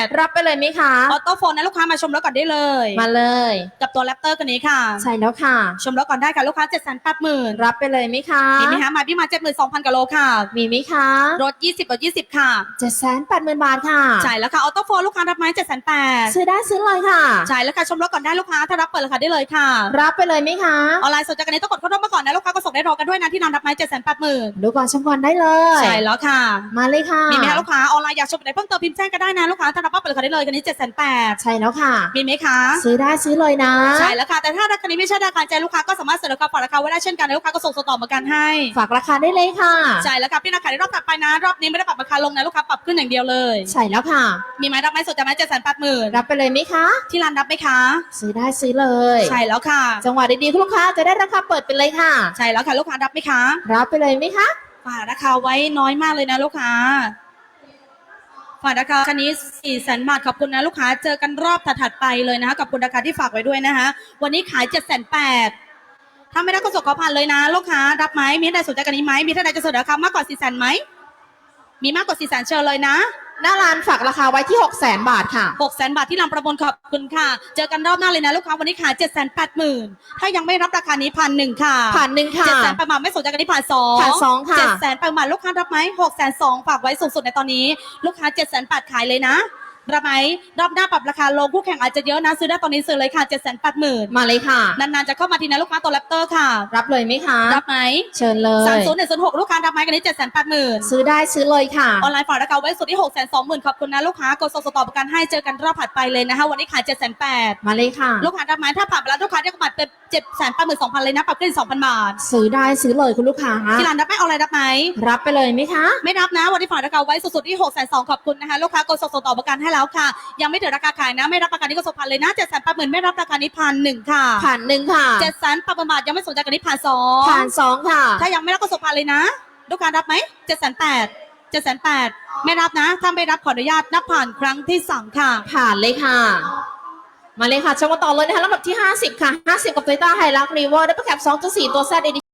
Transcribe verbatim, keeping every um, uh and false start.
รับไปเลยไหมคะออโต้โฟนนะลูกค้ามาชมรถก่อนได้เลยมาเลยกับตัวแรปเตอร์กันนี้ค่ะใช่แล้วค่ะชมรถก่อนได้ค่ะลูกค้า เจ็ดแสนแปดหมื่นรับไปเลยไหมคะมีไหมคะมาพี่มา เจ็ดหมื่นสองพัน กิโลค่ะมีไหมคะรถยี่สิบรถยี่สิบค่ะเจ็ดแสนแปดหมื่นบาทค่ะใช่แล้วค่ะออโต้โฟนลูกค้ารับไหม เจ็ดแสนแปดซื้อได้ซื้อเลยค่ะใช่แล้วค่ะชมรถก่อนได้ลูกค้าถ้ารับเปิดราคาได้เลยค่ะรับไปเลยไหมคะออนไลน์สนใจกันนี้ต้องกดเข้าร่วมมาก่อนนะลูกค้าก็ส่งได้รอกันด้วยนะที่นำรับไหม เจ็ดแสนแปดหมื่นดูก่อนชมก่อนได้เลยใช่แล้วค่ะมาเลยค่ะมีไหมคะลูกค้าออนไลน์อยากชมไหนเพิ่มเติมพิมพ์แจ้งก็ได้นะลูกค้าถ้ารับเปิดราคาได้เลยกันนี้ เจ็ดแสนแปดใช่แล้วค่ะมีไหมคะซื้อได้ซื้อเลยนะใช่แล้วค่ะแต่ถ้าราคานี้ไม่ใช่ราคาใจลูกค้าก็สามารถเสนอราคาฝากราคาไว้ได้เช่นกันลูกค้าก็ส่งต่อมากันให้ฝากราคาได้เลยค่ะใช่แล้วค่ะพี่นักขายในรอบถัดไปนะรอบนี้ไม่ได้ปรับราคาลงนะลูกค้าปรับขึ้นอย่างเดียวเลยใช่แล้วค่ะมีไหมรับไหมสนใจไหม เจ็ดแสนแปดหมื่นรับไปเลยไหมคะที่ร้านรับไหมคะซื้อได้ซื้อเลยใช่แล้วค่ะจังหวะดีๆคุณลูกค้าจะได้ราคาเปิดไปเลยค่ะใช่แล้วค่ะลูกค้ารับไหมคะรับไปเลยไหมคะฝากราคาไว้น้อยมากเลยนะลูกค้าฝากราคาคันนี้ สี่แสน บาทขอบคุณนะลูกค้าเจอกันรอบถัดๆไปเลยนะคะกับคุณราคาที่ฝากไว้ด้วยนะคะวันนี้ขาย เจ็ดแสนแปด ถ้าไม่ได้ก็ส่งขอผ่านเลยนะลูกค้ารับไหมมีท่านใดสนใจกันนี้ไหมมีท่านใดจะเสนอราคามากกว่า สี่แสน ไหมมีมากกว่า สี่แสน เชิญเลยนะหน้าร้านฝากราคาไว้ที่ หกแสน บาทค่ะหกแสน บาทที่ลำประมูลขอบคุณค่ะเจอกันรอบหน้าเลยนะลูกค้าวันนี้ขาย เจ็ดแสนแปดหมื่น ถ้ายังไม่รับราคานี้พันหนึ่งค่ะผ่านหนึ่งค่ะเจ็ดแสนประมาณไม่สนใจกันนี้ผ่านสองผ่านสองค่ะเจ็ดแสนประมาณลูกค้ารับไหมหกแสนสองฝากไว้สูงสุดในตอนนี้ลูกค้า เจ็ดแสนแปด ขายเลยนะรับไหมรอบหน้าปรับราคาลงคู่แข่งอาจจะเยอะนะซื้อได้ตอนนี้ซื้อเลยค่ะ เจ็ดแสนแปดหมื่นมาเลยค่ะนานๆจะเข้ามาทีนะลูกค้าตัวแรปเตอร์ค่ะรับเลยไหมคะรับไหมเชิญเลยสามศูนย์ หนึ่ง ศูนย์ หก ลูกค้ารับไหมกันนี้ เจ็ดแสนแปดหมื่นซื้อได้ซื้อเลยค่ะออนไลน์ฝากราคาไว้สุดที่ หกแสนสองหมื่น ขอบคุณนะลูกค้ากดส่งต่อประกันให้เจอกันรอบถัดไปเลยนะคะวันนี้ขาย เจ็ดแสนแปดมาเลยค่ะลูกค้ารับไหมถ้าผ่านไปแล้วลูกค้าได้กำไรเป็น เจ็ดแสนแปดหมื่นสองพัน เลยนะปรับขึ้น สองพัน บาทซื้อได้ซื้อเลยคุณลูกค้าที่ร้านรับไหมออนไลน์รับไหมรับไปเลยไหมคะไม่รับนะวันนี้ฝากราคาไว้สุดๆที่ หกแสนสอง ขอบคุณนะคะลูกค้ากดส่งต่อประกันให้แล้วค่ะยังไม่ถึงราคาขายนะไม่รับประกันนี้ก็ส่งพันเลยนะ เจ็ดแสนแปดหมื่น ไม่รับราคานี้พันหนึ่งค่ะผ่านหนึ่งค่ะเจ็ดแสนแปดหมื่น บาทยังไม่สนใจกันนี้ผ่านสองผ่านสองค่ะถ้ายังไม่รับก็ส่งพันเลยนะลูกค้ารับไหม เจ็ดแสนแปด เจ็ดแสนแปด ไม่รับนะถ้าไม่รับขออนุญาตนับผ่านครั้งที่สามค่ะผ่านเลยค่ะมาเลยค่ะชมกันต่อเลยนะคะลำดับที่ห้าสิบค่ะห้าสิบกับ Toyota Hilux Revo ได้ประกับ สองจุดสี่ ตัว Z